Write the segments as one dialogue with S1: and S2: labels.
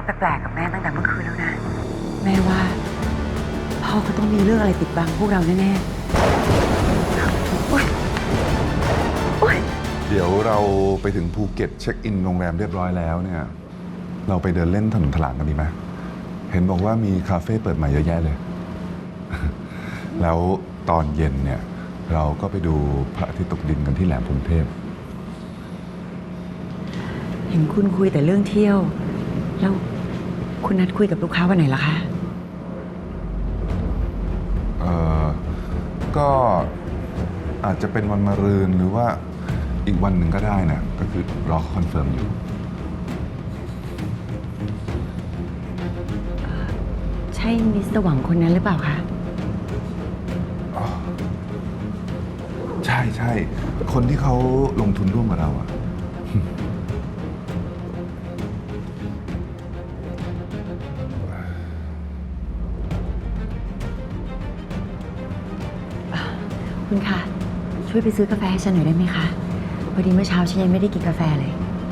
S1: แปลกๆกับแม่ตั้งแต่เมื่อคืนแล้วนะแม่ว่าพ่อเขาต้องมีเรื่องอะไรปิดบังพวกเราแน่ๆโอ๊ยโอ๊ย
S2: เดี๋ยวเราไปถึงภูเก็ตเช็คอินโรงแรมเรียบร้อยแล้วเนี่ยเราไปเดินเล่นถนนถลางกันดีไหมเห็นบอกว่ามีคาเฟ่เปิดใหม่เยอะแยะเลย แล้วตอนเย็นเนี่ยเราก็ไปดูพระอาทิตย์ตกดินกันที่แหลมพรหมเทพ
S1: เห็นคุณคุยแต่เรื่องเที่ยวแล้วคุณนัดคุยกับลูกค้าวันไหนล่ะคะ
S2: ก็อาจจะเป็นวันมะรืนหรือว่าอีกวันหนึ่งก็ได้นะก็คือรอคอนเฟิร์มอยู่
S1: ใช่มิสเตอร์หวังคนนั้นหรือเปล่าคะ
S2: ใช่ใช่คนที่เขาลงทุนร่วมกับเราอะ
S1: คุณคะช่วยไปซื้อกาแฟให้ฉันหน่อยได้ไหมคะพอดีเมื่อเช้าฉันยังไม่ได้กินกาแฟเลย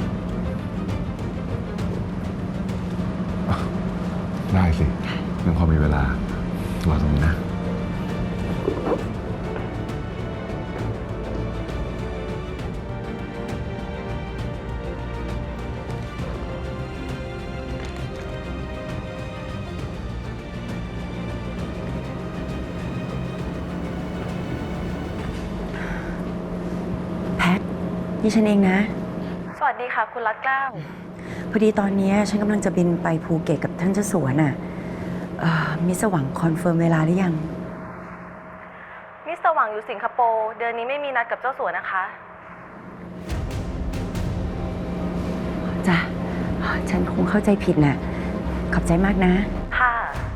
S2: ได้สิยังพอมีเวลารอตรงนี้นะ
S1: แพทนี่ฉันเองนะ
S3: สวัสดีค่ะคุณรัตเกล้า
S1: พอดีตอนนี้ฉันกำลังจะบินไปภูเก็ตกับท่านเจ้าสัวน่ะมิสหวังคอนเฟิร์มเวลาหรือยัง
S3: มิสเตอร์หวังอยู่สิงคโปร์เดือนนี้ไม่มีนัดกับเจ้าสัวนะคะ
S1: จ้ะฉันคงเข้าใจผิดน่ะขอบใจมากนะ
S3: ค่ะ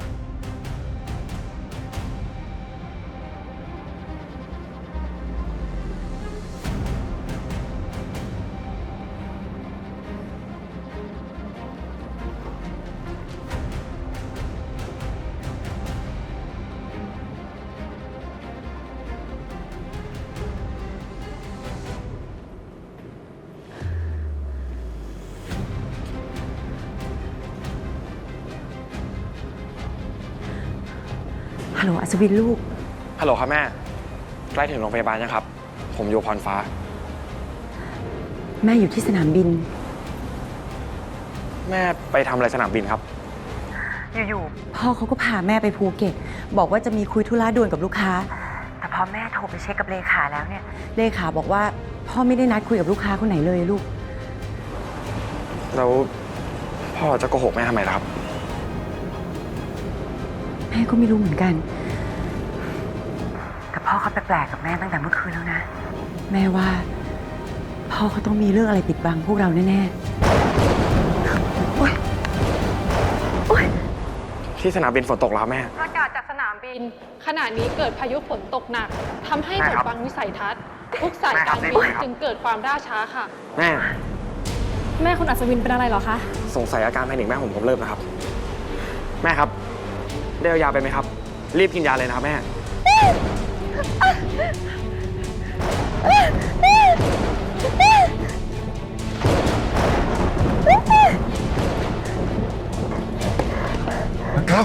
S1: ฮัลโหลอัศวินลูก
S4: ฮัลโหลครับแม่ใกล้ถึงโรงพยาบาลยังครับผมอยู่พรฟ้า
S1: แม่อยู่ที่สนามบิน
S4: แม่ไปทำอะไรสนามบินครับ
S1: อยู่ๆพ่อเขาก็พาแม่ไปภูเก็ตบอกว่าจะมีคุยธุระด่วนกับลูกค้าแต่พอแม่โทรไปเช็คกับเลขาแล้วเนี่ยเลขาบอกว่าพ่อไม่ได้นัดคุยกับลูกค้าคนไหนเลยลูก
S4: แล้วพ่อจะโกหกแม่ทำไมล่ะครับ
S1: แม่ก็ไม่รู้เหมือนกันแต่พ่อเขาแปลกๆกับแม่ตั้งแต่เมื่อคืนแล้วนะแม่ว่าพ่อเขาต้องมีเรื่องอะไรปิดบังพวกเราแน่ๆโอ๊ยโอ๊ย
S4: ที่สนามบินฝนตกแล้วแม่
S5: ประกาศจากสนามบินขณะนี้เกิดพายุฝนตกหนักทำให้บดบังวิสัยทัศน์ทุกสายการบินจึงเกิดความล่าช้าค่ะ
S4: แม่
S5: คุณอัศวินเป็นอะไรเหรอคะ
S4: สงสัยอาการแพนิคแม่ผมเริ่มนะครับแม่ครับได้เอายาไปไหมครับรีบกินยาเลยนะครับแม่
S2: นักข่าว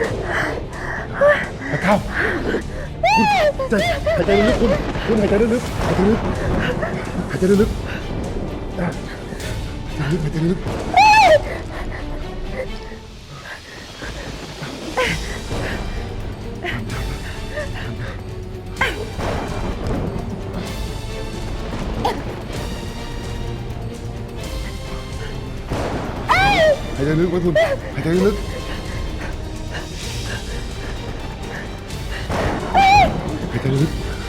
S2: นักข่าวคุณหายใจลึกคุณหายใจลึกหายใจลึกหายใจลึกหายใจลึกหายใจลึกไว้คุณหายใจลึกหายใจลึก